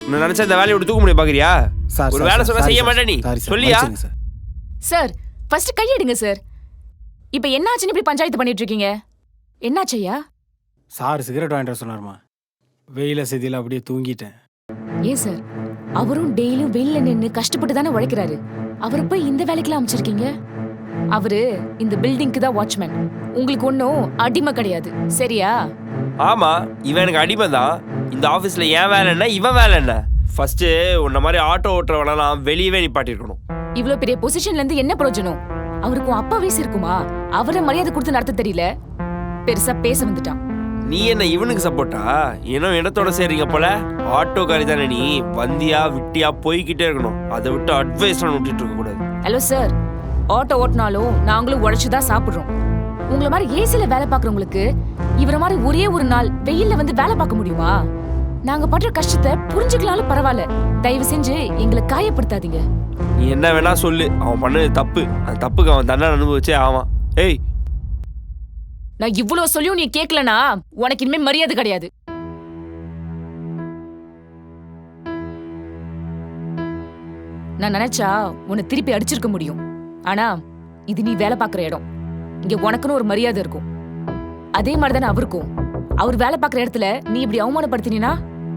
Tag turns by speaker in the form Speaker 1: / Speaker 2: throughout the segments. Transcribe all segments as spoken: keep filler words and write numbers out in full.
Speaker 1: நான் நினைச்சா இந்த வேலையை விட்டு தூக்க முடியும் பாக்குறியா?
Speaker 2: சார்
Speaker 1: ஒரு வேலை சொன்னா செய்ய மாட்டே நீ சொல்லியா?
Speaker 3: சார் ஃபர்ஸ்ட் கையெடுங்க சார். இப்போ என்னாச்சுன்னு இப்படி பஞ்சாயத்து பண்ணிட்டு இருக்கீங்க? என்னாச்சையா?
Speaker 2: சார் சிகரெட் வாங்கிட்டு சொன்னாருமா. வெயில செதியில் அப்படியே தூங்கிட்டேன்.
Speaker 3: ஏன் சார், அவரும் டெய்லியும் வெயில்ல நின்று கஷ்டப்பட்டு தானே உழைக்கிறாரு. அவரை போய் இந்த வேலைக்கெல்லாம் அமைச்சிருக்கீங்க. அவரு இந்த பில்டிங்க்கு தான் வாட்ச்மேன். உங்களுக்கு ஒன்றும் அடிமை கிடையாது, சரியா?
Speaker 1: ஆமா, இவன் எனக்கு அடிமை தான். இந்த ஆஃபீஸ்ல ஏன் வேலை என்ன, இவன் வேலை என்ன? ஃபர்ஸ்ட் உன்ன மாதிரி ஆட்டோ ஓட்டுறவனெல்லாம் வெளியவே நிப்பாட்டிருக்கணும்.
Speaker 3: இவ்ளோ பெரிய பொசிஷன்ல இருந்து என்ன பிரயோஜனம்? அவருக்கும் அப்பா வயசு இருக்குமா? அவரை மரியாதை கொடுத்து நடத்த தெரியல, பெருசா பேச வந்துட்டான்.
Speaker 1: நீ என்ன இவனுக்கு சப்போர்ட்டா? இன்னும் இடத்தோட சேர்றீங்க போல. ஆட்டோ காரி தானே நீ, வந்தியா விட்டியா போய்கிட்டே இருக்கணும். அதை விட்டு அட்வைஸ் விட்டுட்டு இருக்க கூடாது.
Speaker 3: ஹலோ சார், ஆட்டோ ஓட்டினாலும் நாங்களும் உழைச்சுதான் சாப்பிடுறோம். உங்களை மாதிரி ஏசில வேலை பாக்குறவங்களுக்கு இவர மாதிரி ஒரே ஒரு நாள் வெயில்ல வந்து வேலை பார்க்க முடியுமா? நாங்க படுற கஷ்டத்தை புரிஞ்சுக்கலாலும் பரவாயில்ல, தயவு செஞ்சு எங்களை காயப்படுத்தாதீங்க.
Speaker 1: நீ என்ன வேணா சொல்லு, அவன் பண்ணது தப்பு. அந்த தப்புக்கு அவன் தண்டனை அனுபவிச்சே ஆவான். ஏய்,
Speaker 3: நான் இவ்வளவு சொல்லியும் நீ கேட்கலனா உனக்கு இனிமே மரியாதை கிடையாது. நான் நினைச்சா உன்னை திருப்பி அடிச்சிருக்க முடியும். ஆனா இது நீ வேலை பார்க்குற இடம். இங்க உனக்குன்னு ஒரு மரியாதை இருக்கும். அதே மாதிரிதானே அவருக்கும். அவர் வேலை பார்க்குற இடத்துல நீ இப்படி அவமானப்படுத்தினா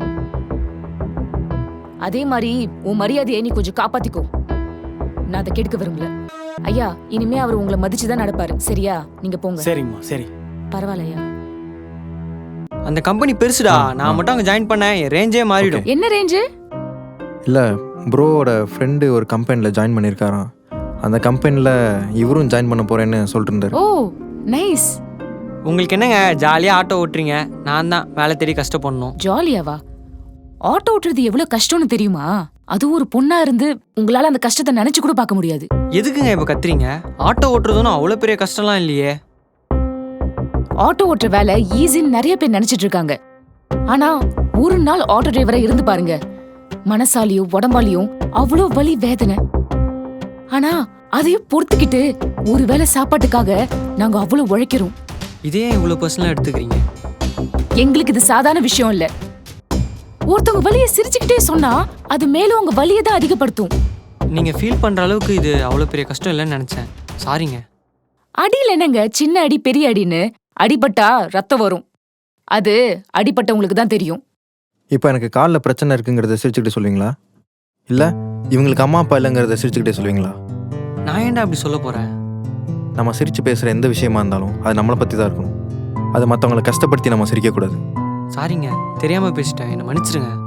Speaker 3: அதே மாதிரி உன் மரியாதையை நீ கொஞ்சம் காப்பாத்திக்கோ. நான் அதை கெடுக்க விரும்பல. ஐயா, இனிமே அவர் உங்களை மதிச்சுதான் நடப்பாரு, சரியா? நீங்க போங்க.
Speaker 2: சரிங்கம்மா, சரி.
Speaker 3: பரவாயில்லையா?
Speaker 4: அந்த கம்பெனி பெருசுடா. நான் மட்டும் அங்க ஜாயின் பண்ணேன், என் ரேஞ்சே மாறிடும்.
Speaker 3: என்ன ரேஞ்சு?
Speaker 5: இல்ல, ப்ரோவோட ஃப்ரெண்டு ஒரு கம்பெனியில் ஜாயின் பண்ணியிருக்காராம். அந்த கம்பெனியில் இவரும் ஜாயின் பண்ண போறேன்னு சொல்லிட்டு இருந்தாரு.
Speaker 3: Oh nice.
Speaker 4: உங்களுக்கு என்னங்க, ஜாலியா ஆட்டோ ஓட்டுறீங்க. நான் தான் வேலை தேடி கஷ்டப்படணும்.
Speaker 3: ஜாலியாவா? ஆட்டோ ஓட்டுறது எவ்வளவு கஷ்டம்னு தெரியுமா? அதுவும் ஒரு பொண்ணா இருந்து உங்களால அந்த கஷ்டத்தை நினைச்சு கூட பார்க்க முடியாது.
Speaker 4: எதுக்குங்க இப்ப கத்துறீங்க? ஆட்டோ ஓட்டுறதுன்னு அவ்வளவு பெரிய கஷ்டம்லாம் இல்லையே.
Speaker 3: ஆட்டோ ஓட்டுற வேலை ஈஸின்னு நிறைய பேர் நினைச்சிட்டு இருக்காங்க. ஆனா ஒரு நாள் ஆட்டோ டிரைவரா இருந்து பாருங்க, மனசாலியும் உடம்பாலியும் அவ்வளோ வலி வேதனை. ஆனா அதையும் பொறுத்துக்கிட்டு ஒரு வேளை சாப்பாட்டுக்காக நாங்க அவ்வளவு உழைக்கிறோம்.
Speaker 4: இதே இவ்வளவு பர்சனலா எடுத்துக்கிறீங்க?
Speaker 3: எங்களுக்கு இது சாதாரண விஷயம் இல்ல. ஒருத்தவங்க வலியை சிரிச்சுக்கிட்டே சொன்னா அது மேலும் உங்க வலியை தான் அதிகப்படுத்தும்.
Speaker 4: நீங்க ஃபீல் பண்ற அளவுக்கு இது அவ்வளவு பெரிய கஷ்டம் இல்லைன்னு நினைச்சேன். சாரிங்க.
Speaker 3: அடியில் என்னங்க சின்ன அடி பெரிய அடின்னு? அடிபட்டா ரத்தம் வரும், அது அடிபட்டவங்களுக்கு தான் தெரியும்.
Speaker 5: இப்போ எனக்கு காலில் பிரச்சனை இருக்குங்கிறத சிரிச்சுக்கிட்டே சொல்லுவீங்களா, இல்லை இவங்களுக்கு அம்மா அப்பா இல்லைங்கிறத சிரிச்சுக்கிட்டே சொல்லுவீங்களா?
Speaker 4: நான் ஏன்டா அப்படி சொல்ல போறேன்?
Speaker 5: நம்ம சிரிச்சு பேசுகிற எந்த விஷயமா இருந்தாலும் அது நம்மளை பற்றி தான் இருக்கணும். அதை மற்றவங்களை கஷ்டப்படுத்தி நம்ம சிரிக்கக்கூடாது.
Speaker 4: சாரிங்க, தெரியாம பேசிட்டேன், என்னை மன்னிச்சிருங்க.